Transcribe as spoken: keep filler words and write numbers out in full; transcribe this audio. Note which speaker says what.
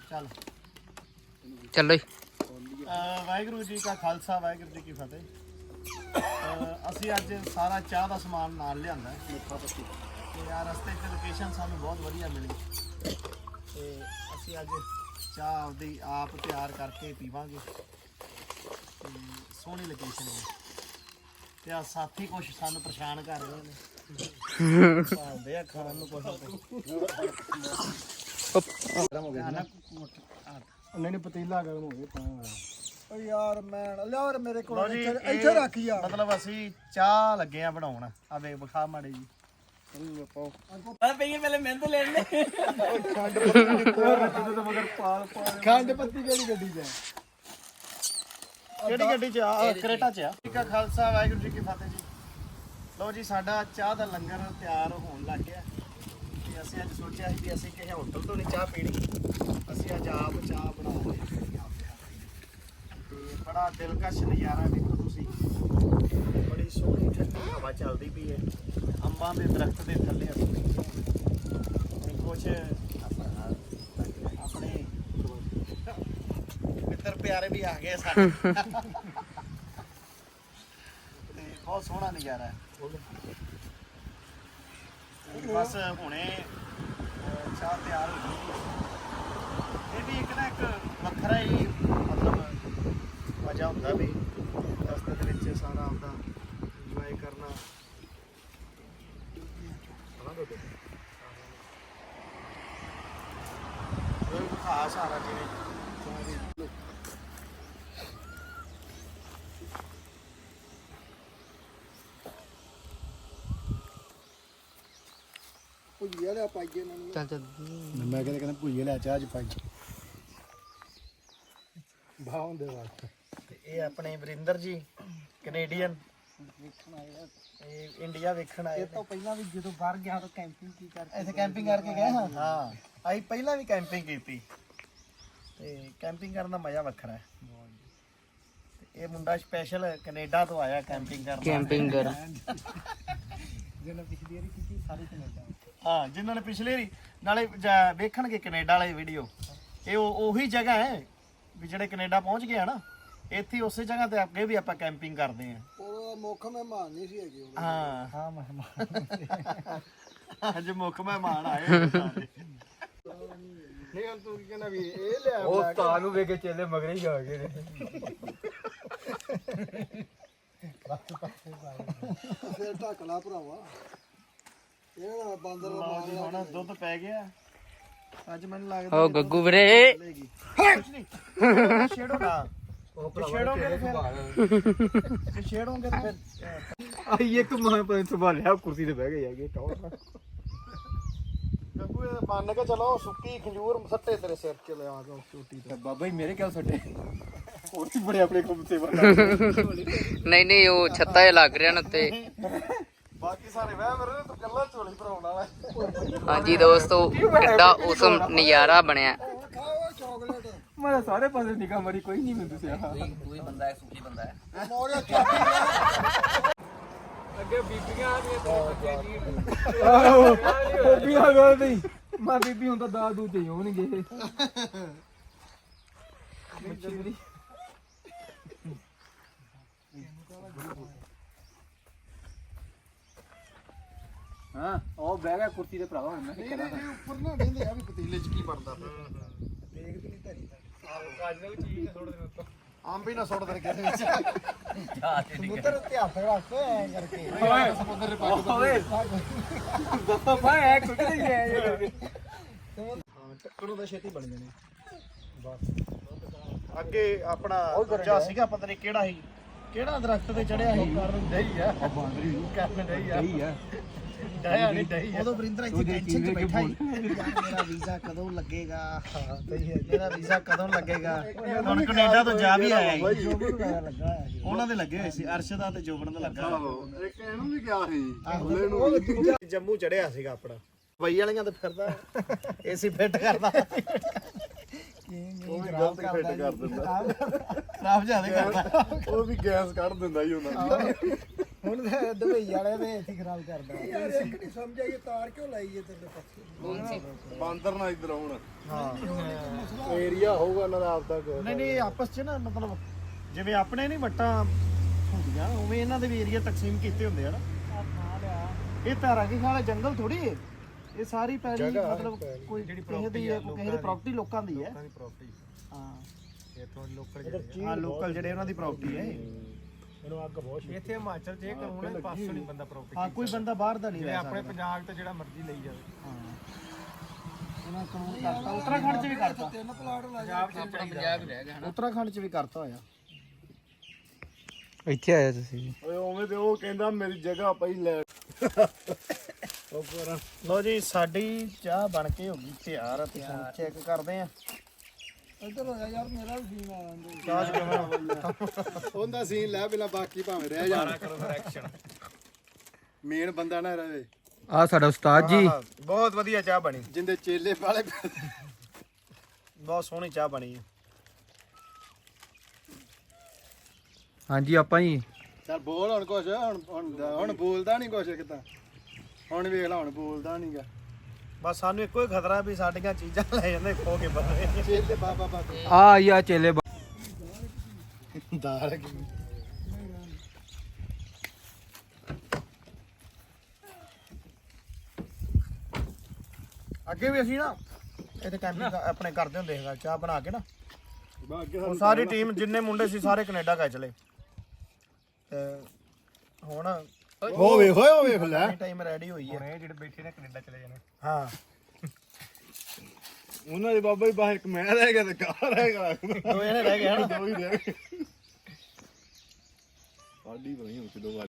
Speaker 1: ਚੱਲ
Speaker 2: ਚੱਲੋ
Speaker 1: ਵਾਹਿਗੁਰੂ ਜੀ ਕਾ ਖਾਲਸਾ ਵਾਹਿਗੁਰੂ ਜੀ ਕੀ ਫਤਿਹ। ਅਸੀਂ ਅੱਜ ਸਾਰਾ ਚਾਹ ਦਾ ਸਮਾਨ ਨਾਲ ਲਿਆਂਦਾ ਮਿੱਠਾ ਪੱਤੀ ਤੇ ਆ ਰਸਤੇ 'ਚ ਲੋਕੇਸ਼ਨ ਸਾਨੂੰ ਬਹੁਤ ਵਧੀਆ ਮਿਲੀ ਤੇ ਅਸੀਂ ਅੱਜ ਚਾਹ ਆਪਦੀ ਆਪ ਤਿਆਰ ਕਰਕੇ ਪੀਵਾਂਗੇ ਤੇ ਸੋਹਣੀ ਲੋਕੇਸ਼ਨ ਹੈ ਤੇ ਆ ਸਾਥੀ ਕੁਛ ਸਾਨੂੰ ਪਰੇਸ਼ਾਨ ਕਰ ਰਹੇ ਨੇ ਭਾਲਦੇ ਆ ਖਾਣ ਨੂੰ ਕੁਛ ਗਰਮ ਹੋ ਗਿਆ ਨਾ
Speaker 3: ਉਹਨੇ ਨੇ ਪਤੀਲਾ ਗਰਮ ਹੋ ਗਿਆ ਪਾਣੀ ਓ ਯਾਰ ਮੈਂ ਲਿਆ ਮੇਰੇ ਕੋਲ
Speaker 1: ਲਓ ਜੀ,
Speaker 3: ਇੱਥੇ
Speaker 1: ਇਹ
Speaker 3: ਇੱਥੇ ਰੱਖ ਯਾਰ
Speaker 1: ਮਤਲਬ ਅਸੀਂ ਚਾਹ ਲੱਗੇ ਆ ਬਣਾਉਣ ਆ ਵੇ ਵਿਖਾ ਮਾੜੇ ਜੀ
Speaker 3: ਖੰਡ ਪੱਤੀ ਕਿਹੜੀ ਗੱਡੀ ਚ
Speaker 1: ਕਿਹੜੀ ਗੱਡੀ ਚ ਆ ਕਰੇਟਾ ਚ ਆ ਜੀ ਕਾ ਖਾਲਸਾ ਵਾਹਿਗੁਰੂ ਜੀ ਕੀ ਫਤਿਹ ਜੀ। ਲਓ ਜੀ ਸਾਡਾ ਚਾਹ ਦਾ ਲੰਗਰ ਤਿਆਰ ਹੋਣ ਲੱਗ ਗਿਆ ਤੇ ਅਸੀਂ ਅੱਜ ਸੋਚਿਆ ਸੀ ਵੀ ਅਸੀਂ ਕਿਸੇ ਹੋਟਲ ਤੋਂ ਨਹੀਂ ਚਾਹ ਪੀਣੀ, ਅਸੀਂ ਅੱਜ ਆਪ ਚਾਹ ਬਣਾ ਰਹੇ ਹਾਂ ਤੇ ਬੜਾ ਦਿਲਕਸ਼ ਨਜ਼ਾਰਾ ਵੇਖੋ ਤੁਸੀਂ, ਬੜੀ ਸੋਹਣੀ ਠੰਡੀ ਹਵਾ ਚੱਲਦੀ ਪਈ ਹੈ, ਅੰਬਾਂ ਦੇ ਦਰਖਤ ਦੇ ਥੱਲੇ ਅਸੀਂ ਬੈਠੇ ਹਾਂ ਤੇ ਕੁਛ ਆਪਣੇ ਮਿੱਤਰ ਪਿਆਰੇ ਵੀ ਆ ਗਏ ਸਾਡੇ ਤੇ ਬਹੁਤ ਸੋਹਣਾ ਨਜ਼ਾਰਾ ਹੈ। ਬਸ ਹੁਣੇ ਚਾਹ ਤਿਆਰ ਹੋ ਗਈ। ਇਹ ਵੀ ਇੱਕ ਨਾ ਇੱਕ ਵੱਖਰਾ ਹੀ ਮਤਲਬ ਮਜ਼ਾ ਹੁੰਦਾ ਵੀ ਰਸਤੇ ਦੇ ਵਿੱਚ ਸਾਰਾ ਆਪਦਾ ਇੰਜੋਏ ਕਰਨਾ। ਇਹ ਖਾਸ ਸਾਰਾ ਜਿਵੇਂ
Speaker 3: ਭੁਜੀਆ ਲਿਆ ਪਾਈਏ ਇਹਨਾਂ ਨੂੰ
Speaker 2: ਚੱਲ ਚੱਲ
Speaker 3: ਮੈਂ ਕਹਿੰਦਾ ਕਹਿੰਦਾ ਭੁਜੀਆ ਲਿਆ ਚਾਹ ਚ ਪਾਈ ਬਾਹੋਂ ਦੇ ਵਾਸਤੇ
Speaker 1: ਤੇ ਇਹ ਆਪਣੇ ਵਰਿੰਦਰ ਜੀ ਕੈਨੇਡੀਅਨ
Speaker 3: ਵੇਖਣ ਆਏ ਆ
Speaker 1: ਇਹ ਇੰਡੀਆ ਵੇਖਣ ਆਏ
Speaker 3: ਇਹ ਤੋਂ ਪਹਿਲਾਂ ਵੀ ਜਦੋਂ ਬਾਹਰ ਗਿਆ ਤਾਂ ਕੈਂਪਿੰਗ ਕੀ ਕਰਕੇ
Speaker 1: ਇੱਥੇ ਕੈਂਪਿੰਗ ਕਰਕੇ ਗਏ ਹਾਂ ਹਾਂ ਅਸੀਂ ਪਹਿਲਾਂ ਵੀ ਕੈਂਪਿੰਗ ਕੀਤੀ ਤੇ ਕੈਂਪਿੰਗ ਕਰਨ ਦਾ ਮਜ਼ਾ ਵੱਖਰਾ ਹੈ। ਤੇ ਇਹ ਮੁੰਡਾ ਸਪੈਸ਼ਲ ਕੈਨੇਡਾ ਤੋਂ ਆਇਆ ਕੈਂਪਿੰਗ ਕਰਨ
Speaker 2: ਕੈਂਪਿੰਗ ਕਰ
Speaker 3: ਜਿਹਨੇ ਪਿਛਲੀ ਵਾਰੀ ਕੀਤੀ ਸਾਰੀ ਕੈਨੇਡਾ
Speaker 1: ਹਾਂ ਜਿਨ੍ਹਾਂ ਨੇ ਪਿਛਲੇ ਵਾਰੀ ਨਾਲੇ ਜਾ- ਵੇਖਣਗੇ ਕੈਨੇਡਾ ਵਾਲੇ ਵੀਡੀਓ, ਇਹ ਉਹ- ਉਹੀ ਜਗ੍ਹਾ ਹੈ ਵੀ ਜਿਹੜੇ ਕੈਨੇਡਾ ਪਹੁੰਚ ਗਏ ਆ ਨਾ, ਇੱਥੇ ਉਸੇ ਜਗ੍ਹਾ ਤੇ ਅੱਗੇ ਵੀ ਆਪਾਂ ਕੈਂਪਿੰਗ ਕਰਦੇ ਆ।
Speaker 3: ਉਹ ਮੁੱਖ ਮਹਿਮਾਨ ਨਹੀਂ ਸੀ ਹੈਗੇ ਉਹ
Speaker 1: ਹਾਂ
Speaker 3: ਹਾਂ ਮਹਿਮਾਨ
Speaker 1: ਅੱਜ ਮੁੱਖ ਮਹਿਮਾਨ ਆਏ ਹੋਏ ਸਾਰੇ।
Speaker 3: ਨਹੀਂ ਹੁਣ ਤੂੰ ਕੀ ਕਹਿੰਦਾ ਵੀ ਇਹ ਲਿਆ
Speaker 4: ਉਹ ਤਾਂ ਨੂੰ ਵੇਖ ਕੇ ਚੇਲੇ ਮਗਰੇ ਹੀ ਆ ਗਏ ਨੇ।
Speaker 3: ਫਿਰ ਢੱਕ ਲਾ ਭਰਾਵਾ ਇਹ ਬਾਂਦਰ
Speaker 1: ਲਓ ਜੀ ਹੁਣ ਦੁੱਧ ਪੈ ਗਿਆ ਅੱਜ ਮੈਨੂੰ ਲੱਗਦਾ
Speaker 2: ਓ ਗੱਗੂ ਵੀਰੇ
Speaker 1: ਚਲੇਗੀ ਕੁਛ ਨਹੀਂ ਛੇੜੋ ਨਾ
Speaker 4: ਉਹ
Speaker 1: ਜੇ ਛੇੜੋਗੇ ਤੇ ਫਿਰ ਜੇ ਛੇੜੋਗੇ ਤੇ ਫਿਰ
Speaker 4: ਆਈ ਇੱਕ ਮਾਂ ਪਤਾ ਸੰਭਾਲਿਆ ਕੁਰਸੀ ਤੇ ਬਹਿ ਗਏ ਹੈਗੇ ਟੌਰ
Speaker 1: ਗੱਗੂ ਇਹ ਮੰਨ ਕੇ ਚਲੋ ਸੁੱਕੀ ਖੰਜੂਰ ਸੱਟੇ ਤੇਰੇ ਸਿਰ 'ਚ ਲਿਆ ਗਿਆ ਛੋਟੀ
Speaker 4: ਤੇ ਬਾਬਾ ਜੀ ਮੇਰੇ ਕਿਉਂ ਛੱਡੇ ਹੋਰ ਵੀ ਬੜੇ ਆਪਣੇ ਕੋਲ ਸੇਵਾ
Speaker 2: ਨਹੀਂ ਨਹੀਂ ਉਹ ਛੱਤਾ ਜਿਹਾ ਲੱਗ ਰਿਹਾ ਨਾ ਉੱਤੇ।
Speaker 1: ਬਾਕੀ ਸਾਰੇ ਵਹਿ ਮੇਰੇ ਤੂੰ ਕੱਲਾ ਝੋਲੀ ਭਰਾਉਣਾ ਵਾ।
Speaker 2: ਹਾਂਜੀ ਦੋਸਤੋ ਕਿੱਡਾ ਔਸਮ ਨਜ਼ਾਰਾ ਬਣਿਆ।
Speaker 3: ਖਾਓ ਚਾਕਲੇਟ
Speaker 4: ਮੈਂ ਸਾਰੇ ਪਾਸੇ ਨਿਕਾ ਮਰੀ ਕੋਈ ਨਹੀਂ ਮੈਨੂੰ ਦੱਸਿਆ
Speaker 2: ਕੋਈ ਬੰਦਾ ਹੈ ਸੁਖੀ ਬੰਦਾ ਹੈ।
Speaker 3: ਮੋੜਿਆ ਚਾਕਲੇਟ
Speaker 4: ਅੱਗੇ ਬੀਬੀਆਂ ਆ ਗਈਆਂ ਤੇ ਆਹੋ ਬੀਬੀਆਂ ਗੱਲ ਨਹੀਂ ਮੈਂ ਬੀਬੀ ਹੁਣ ਤਾਂ ਦਾਦ ਦੂਦ ਹੀ ਹੋਣਗੇ। ਹਾਂ ਉਹ ਬਹਿ ਗਿਆ ਕੁਰਸੀ ਤੇ ਭਰਾਵਾ ਹੁਣ ਮੈਂ ਕੀ ਕਰਾਂ
Speaker 3: ਇਹ ਉੱਪਰ ਨਾ ਕਹਿੰਦੇ ਆ ਵੀ ਪਤੀਲੇ 'ਚ ਕੀ ਬਣਦਾ ਦੇਖਦੀ ਨਹੀਂ ਧਰੀ
Speaker 4: ਅੱਜ ਦਾ ਵੀ ਚੀਜ਼ ਥੋੜੇ ਦਿਨ ਤੋਂ
Speaker 1: ਆਮ ਵੀ ਨਾ ਸੁੱਟ ਦੇ ਕਿਸੇ ਵਿੱਚ
Speaker 3: ਸਮੁੰਦਰ ਉੱਤੇ ਹੱਥ ਰੱਖ ਐ ਕਰਕੇ
Speaker 4: ਓਏ
Speaker 3: ਸਮੁੰਦਰ ਦੇ ਪੱਗ
Speaker 4: ਓਏ ਬਾਬਾ ਭਾਈ ਐ ਕੁਝ ਨਹੀਂ ਗਿਆ ਇਹ ਕਰਕੇ
Speaker 1: ਹਾਂ ਟੱਕਰੋਂ ਦਾ ਛੇਤੀ ਬਣ ਜਾਣੇ ਬਸ ਅੱਗੇ ਆਪਣਾ ਦੂਜਾ ਸੀਗਾ ਪਤਾ ਨਹੀਂ ਕਿਹੜਾ ਸੀ ਕਿਹੜਾ ਦਰਖਤ ਤੇ ਚੜਿਆ ਸੀ ਕਰਨ ਡਈ ਆ ਬਾਂਦਰੀ ਕਰਨ ਡਈ ਆ
Speaker 4: ਸਹੀ ਆ
Speaker 1: ਡਿਆ ਨਹੀਂ ਡਈ ਆ
Speaker 3: ਉਦੋਂ ਵਰਿੰਦਰ ਇੱਥੇ ਟੈਨਸ਼ਨ 'ਚ ਬੈਠਾ ਸੀ ਯਾਰ ਮੇਰਾ ਵੀਜ਼ਾ ਕਦੋਂ ਲੱਗੇਗਾ ਹਾਂ ਸਹੀ ਹੈ
Speaker 1: ਮੇਰਾ ਵੀਜ਼ਾ ਕਦੋਂ ਲੱਗੇਗਾ ਹੁਣ ਕੈਨੇਡਾ ਤੋਂ ਜਾ ਵੀ ਆਇਆ ਸੀ
Speaker 3: ਜੋਬਨ ਵਗੈਰਾ ਲੱਗਾ ਹੋਇਆ ਸੀ
Speaker 1: ਉਹਨਾਂ ਦੇ ਲੱਗੇ ਹੋਏ ਸੀ ਅਰਸ਼ਦਾ ਤੇ ਜੋਬਨ ਦਾ ਲੱਗਾ ਹੋਇਆ।
Speaker 3: ਇੱਕ ਇਹਨੂੰ ਵੀ ਗਿਆ ਸੀ ਉਹ ਦੂਜਾ
Speaker 1: ਜੰਮੂ ਚੜਿਆ ਸੀਗਾ ਆਪਣਾ ਬਈ ਵਾਲੀਆਂ ਤੇ ਫਿਰਦਾ ਏਸੀ ਫਿੱਟ ਕਰਦਾ
Speaker 3: ਉਹ ਵੀ ਗਲਤ ਫਿੱਟ ਕਰ ਦਿੰਦਾ
Speaker 1: ਖਰਾਬ ਜ਼ਿਆਦਾ ਕਰਦਾ
Speaker 3: ਉਹ ਵੀ ਗੈਸ ਕੱਢ ਦਿੰਦਾ ਹੀ ਉਹਨਾਂ ਦੀ ਹੁਣ ਤਾਂ ਦੁਬਈ ਵਾਲੇ ਨੇ ਇੱਥੇ ਖਰਾਬ ਕਰਦਾ ਯਾਰ ਇੱਕ ਨਹੀਂ ਸਮਝ ਆਈ ਤਾਰ ਕਿਉਂ ਲਾਈ ਹੈ ਤੇਰੇ ਪਾਸੇ
Speaker 2: ਕੌਣ ਸੀ
Speaker 3: ਬਾਂਦਰ ਨਾ ਇੱਧਰ ਆਉਣ
Speaker 1: ਹਾਂ
Speaker 3: ਮਸਲਾ ਏਰੀਆ ਹੋਊਗਾ ਉਹਨਾਂ ਦਾ ਆਪਦਾ ਕੋਈ
Speaker 1: ਨਹੀਂ ਨਹੀਂ ਆਪਸ 'ਚ ਨਾ ਮਤਲਬ ਜਿਵੇਂ ਆਪਣੇ ਨਹੀਂ ਵੱਟਾਂ ਹੁੰਦੀਆਂ ਉਵੇਂ ਇਹਨਾਂ ਦੇ ਵੀ ਏਰੀਆ ਤਕਸੀਮ ਕੀਤੇ ਹੁੰਦੇ ਆ ਨਾ। ਇਹ ਧਾਰਾ ਕੀ ਖਾਲਾ ਜੰਗਲ ਥੋੜੀ ਹੈ, ਇਹ ਸਾਰੀ ਪੈਲੀ ਮਤਲਬ ਕੋਈ ਕਿਸੇ ਦੀ ਹੈ, ਕੋਈ ਕਿਸੇ ਦੀ ਪ੍ਰਾਪਰਟੀ ਲੋਕਾਂ ਦੀ ਹੈ। ਹਾਂ
Speaker 3: ਇੱਥੋਂ ਲੋਕਲ
Speaker 1: ਹਾਂ ਲੋਕਲ ਜਿਹੜੇ ਉਹਨਾਂ ਦੀ ਪ੍ਰਾਪਰਟੀ ਹੈ।
Speaker 3: ਇਹਨੂੰ ਅੱਗ ਬਹੁਤ ਛੇਤੀ।
Speaker 4: ਇੱਥੇ ਹਿਮਾਚਲ ਚ ਇਹ ਕਾਨੂੰਨ ਹੈ, ਪਾਸੋਂ ਨਹੀਂ ਬੰਦਾ ਪ੍ਰੋਪਰਟੀ
Speaker 1: ਹਾਂ ਕੋਈ ਬੰਦਾ ਬਾਹਰ ਦਾ ਨਹੀਂ ਲੈ
Speaker 4: ਆਪਣੇ
Speaker 1: ਸਕਦਾ।
Speaker 4: ਪੰਜਾਬ ਤੇ ਜਿਹੜਾ ਮਰਜ਼ੀ ਲਈ ਜਾਵੇ।
Speaker 1: ਹਾਂ ਉਹਨਾਂ ਕਾਨੂੰਨ ਕਰਤਾ, ਉੱਤਰਾਖੰਡ 'ਚ ਵੀ ਕਰਤਾ,
Speaker 4: ਪੰਜਾਬ ਚ
Speaker 2: ਆਪਣਾ ਪੰਜਾਬ ਹੀ ਰਹਿ ਗਿਆ ਹਨਾ।
Speaker 1: ਉੱਤਰਾਖੰਡ 'ਚ ਵੀ ਕਰਤਾ ਹੋਇਆ।
Speaker 5: ਇੱਥੇ ਆਇਆ ਤੁਸੀਂ
Speaker 3: ਓਏ ਉਵੇਂ ਤੇ ਉਹ ਕਹਿੰਦਾ ਮੇਰੀ ਜਗ੍ਹਾ ਪਈ ਲੈ ਉਹ ਪਰ
Speaker 1: ਲੋ ਜੀ ਸਾਡੀ ਚਾਹ ਬਣ ਕੇ ਹੋ ਗਈ ਤਿਆਰ, ਤੇ ਹੁਣ ਚੈੱਕ ਕਰਦੇ ਆ।
Speaker 3: ਇੱਧਰ ਹੋ ਜਾ ਯਾਰ, ਮੇਰਾ ਵੀ ਸੀਨ ਆ ਜਾਂਦਾ।
Speaker 1: ਚਾਹ 'ਚ ਕਿਵੇਂ
Speaker 3: ਉਹਦਾ ਸੀਨ ਲੈ ਪਹਿਲਾਂ, ਬਾਕੀ ਭਾਵੇਂ ਰਹਿ ਜਾਣ।
Speaker 4: ਕਰੋ ਫਿਰ ਐਕਸ਼ਨ।
Speaker 3: ਮੇਨ ਬੰਦਾ ਨਾ ਰਹੇ,
Speaker 5: ਆ ਸਾਡਾ ਉਸਤਾਦ ਜੀ।
Speaker 1: ਬਹੁਤ ਵਧੀਆ ਚਾਹ ਬਣੀ,
Speaker 3: ਜਿੰਦੇ ਚੇਲੇ ਵਾਲੇ।
Speaker 1: ਬਹੁਤ ਸੋਹਣੀ ਚਾਹ ਬਣੀ ਹੈ।
Speaker 5: ਹਾਂਜੀ ਆਪਾਂ ਜੀ
Speaker 3: ਚੱਲ ਬੋਲ ਹੁਣ ਕੁਛ, ਹੁਣ ਹੁਣ ਹੁਣ ਬੋਲਦਾ ਨਹੀਂ ਕੁਛ ਕਿਤਾ। ਹੁਣ ਵੇਖ ਲੈ, ਹੁਣ ਬੋਲਦਾ ਨਹੀਂਗਾ।
Speaker 1: ਬਸ ਸਾਨੂੰ ਇੱਕੋ ਹੀ ਖਤਰਾ ਵੀ ਸਾਡੀਆਂ ਚੀਜ਼ਾਂ ਲੈ ਜਾਂਦੇ ਖੋ ਕੇ ਬੰਦੇ।
Speaker 3: ਚੇਲੇ ਬਾਬਾ ਬਾਬਾ
Speaker 5: ਆ ਯਾ ਚੇਲੇ ਬਾ-
Speaker 3: ਦਾਲ ਕੀ
Speaker 1: ਅੱਗੇ ਵੀ ਅਸੀਂ ਨਾ ਇੱਥੇ ਕੈਂਪਿੰਗ ਆਪਣੇ ਕਰਦੇ ਹੁੰਦੇ ਹੈਗਾ, ਚਾਹ ਬਣਾ ਕੇ ਨਾ।
Speaker 3: ਅੱਗੇ
Speaker 1: ਉਹ ਸਾਰੀ ਟੀਮ ਜਿੰਨੇ ਮੁੰਡੇ ਸੀ ਸਾਰੇ ਕੈਨੇਡਾ ਗਏ ਚਲੇ, ਤੇ ਹੁਣ
Speaker 3: ਉਹ ਵੇਖ ਓਏ, ਉਹ ਵੇਖ ਲੈ।
Speaker 1: ਟਾਈਮ ਰੈਡੀ ਹੋਈ ਹੈ।
Speaker 4: ਇਹ ਜਿਹੜੇ ਬੈਠੇ ਨੇ ਕੈਨੇਡਾ ਚਲੇ ਜਾਣੇ।
Speaker 1: ਹਾਂ
Speaker 3: ਉਹਨਾਂ ਦੇ ਬਾਬਾ ਹੀ ਬਾਹਰ ਇੱਕ ਮੈਂ ਰਹਿ ਗਿਆ ਤੇ ਕਾਰ ਰਹਿ ਗਿਆ।
Speaker 1: ਦੋ ਜਣੇ ਰਹਿ ਗਏ ਹਨ।
Speaker 3: ਦੋ ਹੀ ਰਹਿ ਗਏ। ਸਾਡੀ ਬਣੀ ਹੁਣ ਕਿਦੋਂ